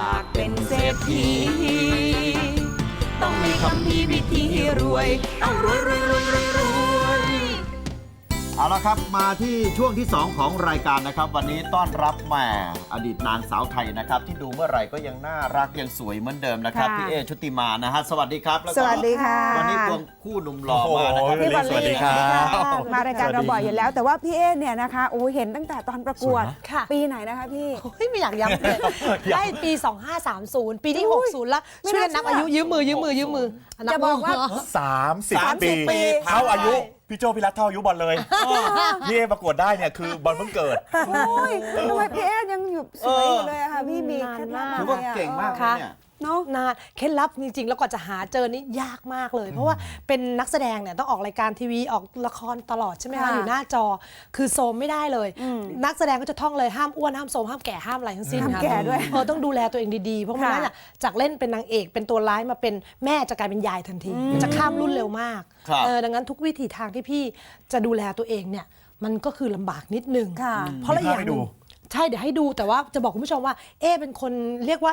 ากเป็นเศรษฐีต้องมีคำพีวิธีรวยต้องรวยรวยรวยรวยรวยเอาละครับมาที่ช่วงที่ 2 ของรายการนะครับวันนี้ต้อนรับแม่อดีตนางสาวไทยนะครับที่ดูเมื่อไหร่ก็ยังน่ารักยังสวยเหมือนเดิมนะครับพี่เอชุติมานะฮะสวัสดีครับแล้วก็สวัสดีค่ะวันนี้ควงคู่หนุ่มหล่อมานะครับพี่บอลสวัสดีครับมารายการเราบ่อยอยู่แล้ว แต่ว่าพี่เอเนี่ยนะคะโอ้เห็นตั้งแต่ตอนประกวดค่ะปีไหนนะคะพี่โอ้ยไม่อยากย้ำเลยได้ปี 2530 ปีที่ 60 แล้วไม่ช่วยน่ากันนับเชื่ออายุยืมมือจะบอกว่า 30 ปีปีเท่าอายุพี่โจพี่รัฐเท่าอายุบอลเลยพี่เอประกวดได้เนี่ยคือบอลเพิ่งเกิดโอ้ยทำไมพี่เอยังอยู่สวยอยู่เลยอะค่ะพี่มีเคล็ดลับถืออะไรว่าอะเก่งมากค่ะนะเนี่ยเนาะนานเคล็ดลับจริงๆ แล้วกว่าจะหาเจอนี่ยากมากเลย เพราะว่าเป็นนักแสดงเนี่ยต้องออกรายการทีวีออกละครตลอดใช่ไหมคะค่ะอยู่หน้าจอคือโซมไม่ได้เลย นักแสดงก็จะท่องเลยห้ามอ้วนห้ามโซมห้ามแก่ห้ามอะไรทั้งสิ้นห้ามค่ะแก่ด้วยต้องดูแลตัวเองดีๆเพราะไม่งั้นอะจากเล่นเป็นนางเอกเป็นตัวร้ายมาเป็นแม่จะกลายเป็นยายทันทีจะข้ามรุ่นเร็วมากครับดังนั้นทุกวิถีทางที่พี่จะดูแลตัวเองเนี่ยมันก็คือลำบากนิดนึงค่ะเพราะละอย่างหนึ่งใช่เดี๋ยวให้ดูแต่ว่าจะบอกคุณผู้ชมว่าเป็นคนเรียกว่า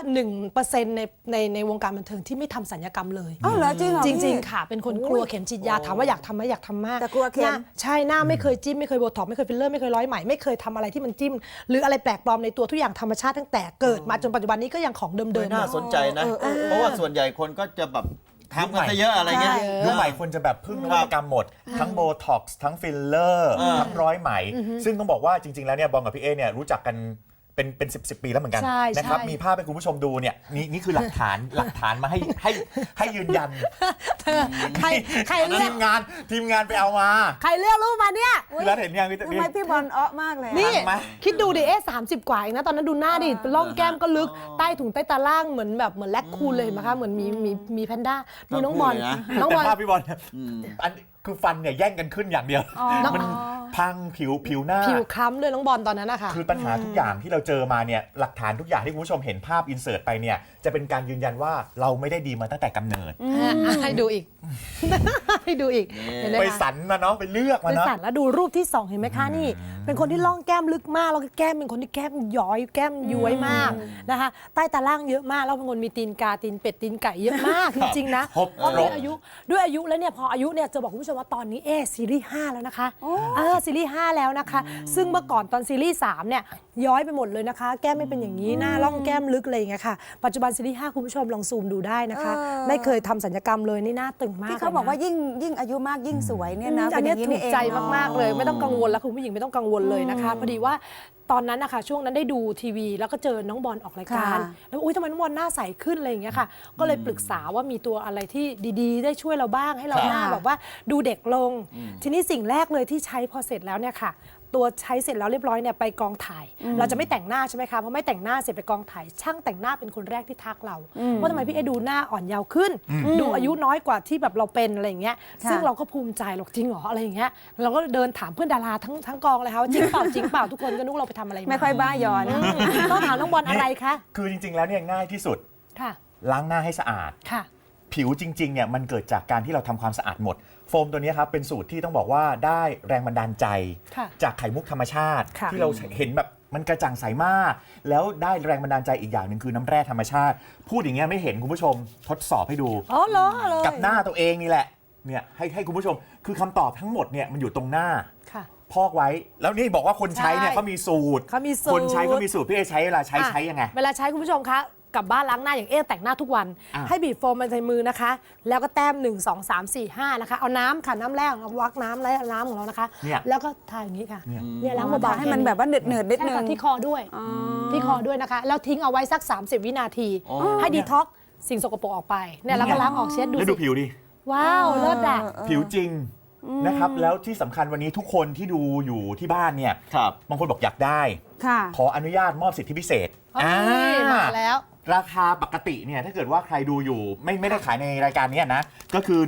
1% ในวงการบันเทิงที่ไม่ทำศัลยกรรมเลยอ้าวเหรอจริงเหรอจพี่ริง ๆ ค่ะ เป็นคนกลัวเข็มฉีดยาถามว่าอยากทำไหมอยากทำมากแต่กลัวเข็มหน้าใช่หน้าไม่เคยจิ้มไม่เคยโบท็อกซ์ไม่เคยฟิลเลอร์ไม่เคยร้อยไหมไม่เคยทำอะไรที่มันจิ้ม หรืออะไรแปลกปลอมในตัวทุกอย่างธรรมชาติตั้งแต่เกิดมาจนปัจจุบันนี้ก็ยังของเดิไม่มๆน่าสนใจนะ เพราะว่าส่วนใหญ่คนก็จะแบบทำกันซะเยอะอะไรเงี้ยยุคใหม่คนจะแบบพึ่งนวัตกรรมหมด ทั้งโบท็อกซ์ทั้งฟิลเลอร์ทั้งร้อยไหม ซึ่งต้องบอกว่าจริง ๆ แล้วเนี่ยบอลกับพี่เอเนี่ยรู้จักกันเป็น10 ปีแล้วเหมือนกันใช่นะครับใช่มีภาพให้คุณผู้ชมดูเนี่ยนี่คือหลักฐานมาให้ยืนยันใครเลือกทีมงานไปเอามาใครเลือกรูปมาเนี่ยพี่รัฐเห็นยังพี่ทำไมพี่บอลอ้อมากเลยอะนี่ทันไหมคิดดูดิ30 กว่าเองนะตอนนั้นดูหน้าดิร่องแก้มก็ลึกใต้ถุงใต้ตาล่างเหมือนแลคคูลเลยเห็นไหมคะเหมือนมีแพนด้าดูน้องบอลทั้งคู่เลยนะน้องบอลแต่ภาพพี่บอลอันคือฟันเนี่ยแย่งกันขึ้นอย่างเดียว มันพังผิวหน้าผิวคล้ำเลยน้องบอลตอนนั้นนะคะคือปัญหาทุกอย่างที่เราเจอมาเนี่ยหลักฐานทุกอย่างที่คุณผู้ชมเห็นภาพอินเสิร์ตไปเนี่ยจะเป็นการยืนยันว่าเราไม่ได้ดีมาตั้งแต่กำเนิดให้ดูอีก ให้ดูอีกเห็นไหมไปคะสรรมาเนาะไปเลือกมาเป็นเนาะสัตว์แล้วดูรูปที่ 2 เห็นไหมคะนี่ เป็นคนที่ล่องแก้มลึกมากแล้วก็แก้มเป็นคนที่แก้มย้อยแก้มย้วยมากนะคะใต้ตาล่างเยอะมากแล้วเป็นคนมีตีนกาตีนเป็ดตีนไก่เยอะมากจริงๆนะครบเพราะด้วยอายุแล้วเนี่ยพออายุเนี่ยจะบอกคุณผู้ชมว่าตอนนี้ซีรีส์5แล้วนะคะซีรีส์5แล้วนะคะ ซึ่งเมื่อก่อนตอนซีรีส์3เนี่ยย้อยไปหมดเลยนะคะ แก้มไม่เป็นอย่างนี้หน้าล่องแก้มลึกอะไรอย่างเงี้ยค่ะปัจจุบันซีรีส์5คุณผู้ชมลองซูมดูได้นะคะ ไม่เคยทำศัลยกรรมเลยนี่หน้าตึงมากที่เขาบอกว่าลยนะยิ่งอายุมากยิ่งสวยเนี่ยนะอันเนี้ยเป็ถูย่างกใจเองมาก ๆ เลย ไม่ต้องกังวลแล้วคุณผู้หญิงไม่ต้องกังวลเลยนะคะพอดีว่าตอนนั้นนะคะช่วงนั้นได้ดูทีวี แล้วก็เจอน้องบอลออกรายการ แล้วอุ้ยทำไมน้องบอลหน้าใสขึ้นอะไรอย่างเงี้ยค่ะ ก็เลยปรึกษาว่ามีตัวอะไรที่ดีๆ ได้ช่วยเราบ้างให้เราหน้าแบบว่าดูเด็กลง ทีนี้สิ่งแรกเลยที่ใช้พอเสร็จแล้วเนี่ยค่ะ ตัวใช้เสร็จแล้วเรียบร้อยเนี่ยไปกองถ่าย เราจะไม่แต่งหน้าใช่ไหมคะเพราะไม่แต่งหน้าเสร็จไปกองถ่ายช่างแต่งหน้าเป็นคนแรกที่ทักเราว่าทำไมพี่เอดูหน้าอ่อนเยาว์ขึ้น ดูอายุน้อยกว่าที่แบบเราเป็นอะไรอย่างเงี้ยซึ่งเราก็ภูมิใจหรอกจริงเหรออะไรอย่างเงี้ยเราก็เดินถามเพื่อนดาราทั้งกองเลยค่ะว่าจริงเปล่าจริงเปล่าทุกคนก็นึกเราไปทำอะไรมาไม่ค่อยบ้าหยอนต้องถามน้องบอลอะไรคะคือจริงๆแล้วเนี่ยง่ายที่สุดค่ะล้างหน้าให้สะอาดค่ะผิวจริงๆเนี่ยมันเกิดจากการที่เราทำความสะอาดหมดโฟมตัวนี้ครับเป็นสูตรที่ต้องบอกว่าได้แรงบันดาลใจค่ะจากไข่มุกธรรมชาติค่ะที่เราเห็นแบบมันกระจ่างใสมาก แล้วได้แรงบันดาลใจอีกอย่างหนึ่งคือน้ำแร่ธรรมชาติ พูดอย่างเงี้ยไม่เห็นคุณผู้ชมทดสอบให้ดูอ๋อเหรอเลยกับหน้าตัวเองนี่แหละเนี่ยให้คุณผู้ชมคือคำตอบทั้งหมดเนี่ยมันอยู่ตรงหน้าค่ะพอกไว้ แล้วนี่บอกว่าคนใช้เนี่ยใช่เขามีสูตรเขามีสูตรคนใช้ก็มีสูตรพี่เอใช้เวลาใช้ยังไงเวลาใช้คุณผู้ชมคะกลับบ้านล้างหน้าอย่างแต่งหน้าทุกวัน ให้บีบโฟมมาในมือนะคะ แล้วก็แต้ม 1 2 3 4 5นะคะเอาน้ำค่ะน้ำแรกเอาวักน้ำแล้วน้ำของเรานะคะเนี่ยแล้วก็ทาอย่างนี้ค่ะเนี่ยเนี่ยล้างเบาๆให้มันแบบว่าเนืดนิดใช่นึงค่ะที่คอด้วยที่คอด้วยนะคะแล้วทิ้งเอาไว้สัก 30 วินาที ให้ดีท็อกซ์สิ่งสกปรกออกไปเนี่ยแล้วก็ล้างออกเช็ดดูแล้วสิดูผิวดิว้าวเลิศอ่ะผิวจริงนะครับแล้วที่สำคัญวันนี้ทุกคนที่ดูอยู่ที่บ้านเนี่ยครับบางคนบอกอยากได้ค่ะขออนุญาตมอบสิทธิพิเศษมาแล้วราคาปกติเนี่ยถ้าเกิดว่าใครดูอยู่ไม่ได้ขายในรายการเนี้นะก็คือ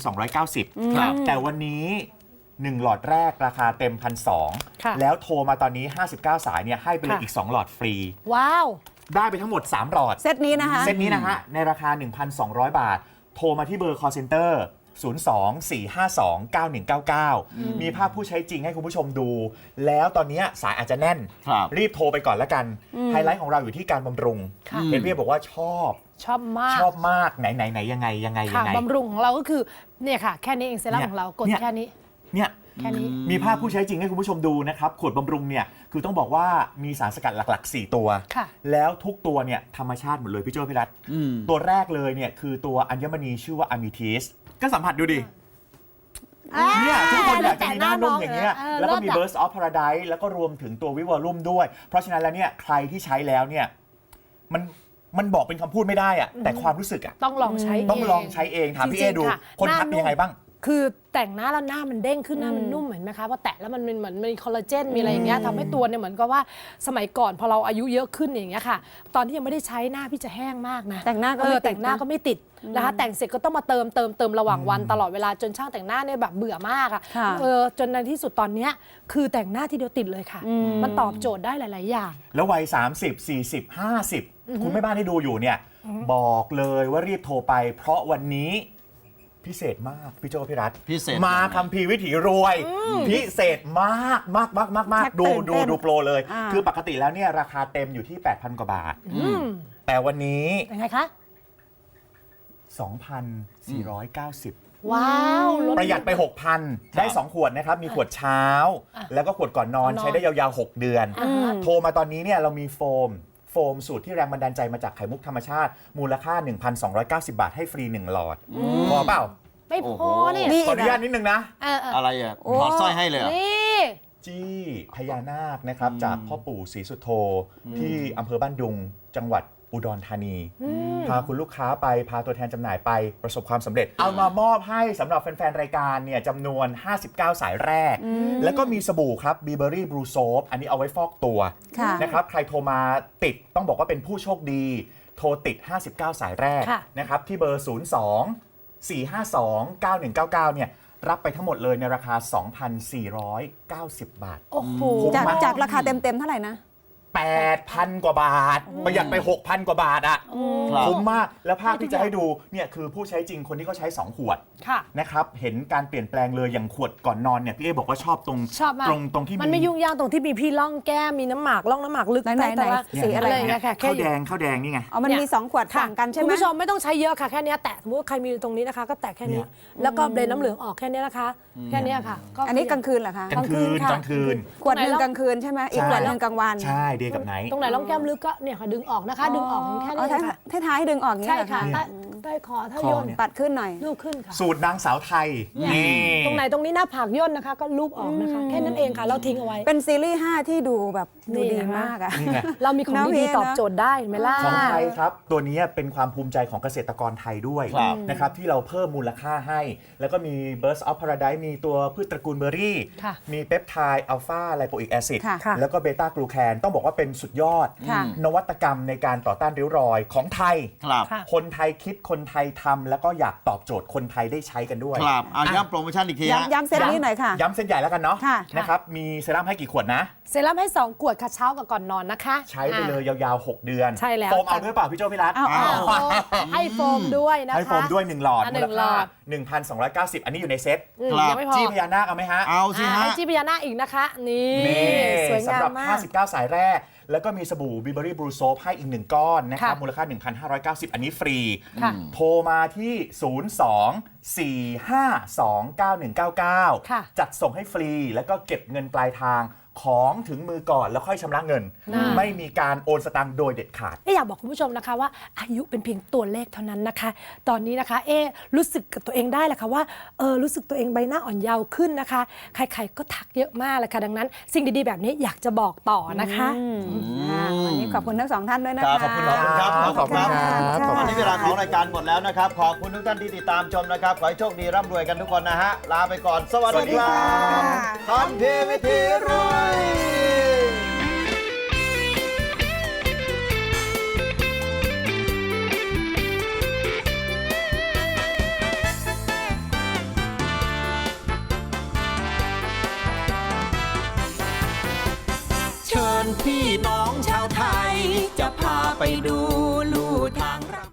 1,290 ครับแต่วันนี้ 1 หลอดแรกราคาเต็มค่ะ 1,200 แล้วโทรมาตอนนี้ 59 สายเนี่ยให้ไปเลยอีก 2 หลอดฟรีว้าวได้ไปทั้งหมด 3 หลอดเซตนี้นะคะเซตนี้นะฮะในราคา 1,200 บาท โทรมาที่เบอร์ call center 02-452-9199 มีภาพผู้ใช้จริงให้คุณผู้ชมดู แล้วตอนนี้สายอาจจะแน่นครับรีบโทรไปก่อนละกัน ไฮไลท์ของเราอยู่ที่การบำรุงค่ะเห็นพี่บอกว่าชอบชอบมากชอบมากไหนยังไงค่ะบำรุงของเราก็คือเนี่ยค่ะ แค่นี้เองเซรั่มเนี่ยของเรากดเนี่ยแค่นี้เนี่ยแค่นี้มีภาพผู้ใช้จริงให้คุณผู้ชมดูนะครับ ขวดบำรุงเนี่ยคือต้องบอกว่ามีสารสกัดหลักๆ 4 ตัวค่ะแล้วทุกตัวเนี่ยธรรมชาติหมดเลยพี่โจ้พี่รัต ตัวแรกเลยเนี่ยคือตัวอัญมณีชื่อว่าอะมิทิสก็สัมผัสดูดิเนี่ยทุกคนอยากจะมีหน้านุ่มอย่างเงี้ย แล้วก็มี Burst of Paradise แล้วก็รวมถึงตัววิวอลุ่มด้วย เพราะฉะนั้นแล้วเนี่ยใครที่ใช้แล้วเนี่ยมันบอกเป็นคำพูดไม่ได้อะแต่ความรู้สึกอะต้องลองใช้ต้องลองใช้เองถามพี่เอจริงๆดูค่ะคนหน้าทักเป็นยังไงบ้างคือแต่งหน้าแล้วหน้ามันเด้งขึ้นหน้ามันนุ่มเห็นไหมคะพอแตะแล้วมันเหมือนมีคอลลาเจนมีอะไรอย่างเงี้ยทำให้ตัวเนี่ยเหมือนกับว่าสมัยก่อนพอเราอายุเยอะขึ้นอย่างเงี้ยค่ะ ตอนที่ยังไม่ได้ใช้หน้าพี่จะแห้งมากนะแต่งหน้าก็ไม่ติดนะแต่งหน้าก็ไม่ติดนะคะแต่งเสร็จก็ต้องมาเติมระหว่างวันตลอดเวลาจนช่างแต่งหน้าเนี่ยแบบเบื่อมากอ่ะค่ะจนในที่สุดตอนเนี้ยคือแต่งหน้าทีเดียวติดเลยค่ะ มันตอบโจทย์ได้หลาย ๆ อย่างแล้ววัย 30 40 50 คุณแม่บ้านที่ดูอยู่เนี่ย บอกเลยว่ารีบโทรไป เพราะวันนี้พิเศษมาก พี่โจพี่รัฐพิเศษมาคัมภีร์วิถีรวย พิเศษมากชักดูตื่นเต้นดูโปรเลยอ่าคือปกติแล้วเนี่ยราคาเต็มอยู่ที่ 8,000 กว่าบาท แต่วันนี้ยังไงคะ 2,490 ว้าวลดประหยัดไป 6,000 ได้ 2 ขวดนะครับ มีขวดเช้า แล้วก็ขวดก่อนนอนก่อนนอนใช้ได้ยาวๆ 6 เดือน โทรมาตอนนี้เนี่ยเรามีโฟมสูตรที่แรงบันดาลใจมาจากไข่มุกธรรมชาติ มูลค่า 1,290 บาทให้ฟรี 1 หลอด พอเปล่าไม่พอเนี่ยนี่ขออนุญาตนิดนึงนะอะไรอ่ะถอดสร้อยให้เลยเหรอนี่จี้พญานาคนะครับ จากพ่อปู่ศรีสุโธที่อำเภอบ้านดุงจังหวัดอุดรธานี พาคุณลูกค้าไปพาตัวแทนจำหน่ายไปประสบความสำเร็จ เอามามอบให้สำหรับแฟนๆ รายการเนี่ยจำนวน 59 สายแรก แล้วก็มีสบู่ครับ Burberry Blue Soap อันนี้เอาไว้ฟอกตัวค่ะนะครับ ใครโทรมาติดต้องบอกว่าเป็นผู้โชคดี โทรติด 59 สายแรกค่ะนะครับ ที่เบอร์ 02-452-9199 เนี่ยรับไปทั้งหมดเลยในราคา 2,490 บาทโอ้โหจากราคาเต็มเท่าไหร่นะ 8,000 กว่าบาท ประหยัดไป 6,000 กว่าบาทอะครับคุ้มมาก แล้วภาพที่จะให้ดูเนี่ยคือผู้ใช้จริงคนที่เขาใช้ 2 ขวดค่ะนะครับ เห็นการเปลี่ยนแปลงเลยอย่างขวดก่อนนอนเนี่ยพี่เอบอกว่าชอบตรงชอบมากตรงที่มันไม่ยุ่งยากตรงที่มีพี่ร่องแก้มมีน้ำหมากร่องน้ำหมากลึกไหนๆแต่ว่าสีสีอะอะไร ไรอย่างเงี้ยค่ะข้าวแดงข้าวแดงนี่ไงอ๋อ มันมี 2 ขวดค่ะต่างกันใช่ไหมคุณผู้ชมไม่ต้องใช้เยอะค่ะแค่เนี้ยแตะสมมติว่าใครมีตรงนี้นะคะ ก็แตะแค่นี้เนี่ยแล้วก็เบลนน้ำเหลืองออกแค่นี้นะคะ แค่เนี้ยค่ะอันนี้กลางคืนเหรอคะกลางคืนค่ะกลางคืนขวดหนึ่งกลางคืนใช่ไหมอีกขวดหนึ่งกลางวันใช่เดย์กับไนท์ตรงไหนร่องแก้มลึกก็เนี่ยค่ะดึงออกนะคะ ดึงออกแค่อ๋อนี้ค่ะท้ายๆดึงออกอย่างนี้ใช่เหรอค่ะคะใต้คอเท่าคอย่นเนี่ยปัดขึ้นหน่อยลูกขึ้นค่ะสูตรนางสาวไทย นี่ตรงไหนตรงนี้หน้าผากย่นนะคะ ก็ลูบออกนะคะ แค่นั้นเองค่ะ เราทิ้งเอาไว้เป็นซีรีส์5ที่ดูแบบดูนี่ดีนะมากอะนี่ไงเรามีของน้องดีเอๆตอบโจทย์ได้เห็นไหมล่ะของไทยครับ ตัวนี้เป็นความภูมิใจของเกษตรกรไทยด้วยครับนะครับที่เราเพิ่มมูลค่าให้ แล้วก็มี Burst of Paradise มีตัวพืชตระกูลเบอร์รี่ค่ะมีเปปไทด์อัลฟาไลโปอิกแอซิดค่ะแล้วก็เบต้ากลูแคนต้องบอกว่าเป็นสุดยอดค่ะนวัตกรรมในการต่อต้านริ้วรอยของไทยครับค่ะคนไทยคิดคนไทยทำแล้วก็อยากตอบโจทย์คนไทยได้ใช้กันด้วยครับเอาย้ำโปรโมชั่นอีกทีฮะย้ำเซตนี้หน่อยค่ะย้ำเส้นใหญ่แล้วกันเนาะค่ะนะครับมีเซรั่มให้กี่ขวดนะเซรั่มให้ 2 ขวดค่ะเช้ากับก่อนนอนนะคะใช้ไปเลยยาวๆ 6 เดือนใช่แล้วโฟมเอาด้วยเปล่าพี่โจพี่รัตเอาให้โฟมด้วยนะคะให้โฟมด้วย 1 หลอดอ่ะมูหลนึ่งหลค่าอด 1,290 อันนี้อยู่ในเซ็ตครับยังไม่พอจี้พญานาคเอาไหมฮะเอาสิฮะให้จีพญานาคอีกนะคะ นี่นี่สวยงาสำหรัมบมาก 59 สายแรก แล้วก็มีสบู่ Burberry Blue Soap ให้อีก 1 ก้อนนะครับค่ะมูลค่า 1,590 อันนี้ฟรีค่ะโทรมาที่ 02-452-9199 ค่ะจัดส่งให้ฟรี แล้วก็เก็บเงินปลายทางของถึงมือก่อนแล้วค่อยชำระเงิน ไม่มีการโอนสตางค์โดยเด็ดขาดอยากบอกคุณผู้ชมนะคะว่าอายุเป็นเพียงตัวเลขเท่านั้นนะคะ ตอนนี้นะคะรู้สึกกับตัวเองได้แหละค่ะว่ารู้สึกตัวเองใบหน้าอ่อนเยาว์ขึ้นนะคะ ใครๆก็ทักเยอะมากเลยค่ะดังนั้น สิ่งดีๆแบบนี้อยากจะบอกต่อนะคะวันนี้ขอบคุณทั้ง 2 ท่านด้วยนะคคะรับขอบคุณครับขอบคุณครับวันนี้เวลาของรายการหมดแล้วนะครับ ขอบคุณทุกท่านที่ติดตามชมนะครับ ขอให้โชคดีร่ำรวยกันทุกคนนะฮะ ลาไปก่อน สวัสดีครัสวัสดีบค่ะทันทีวิธีรวย เชิญพี่น้องชาวไทย จะพาไปดูลู่ทาง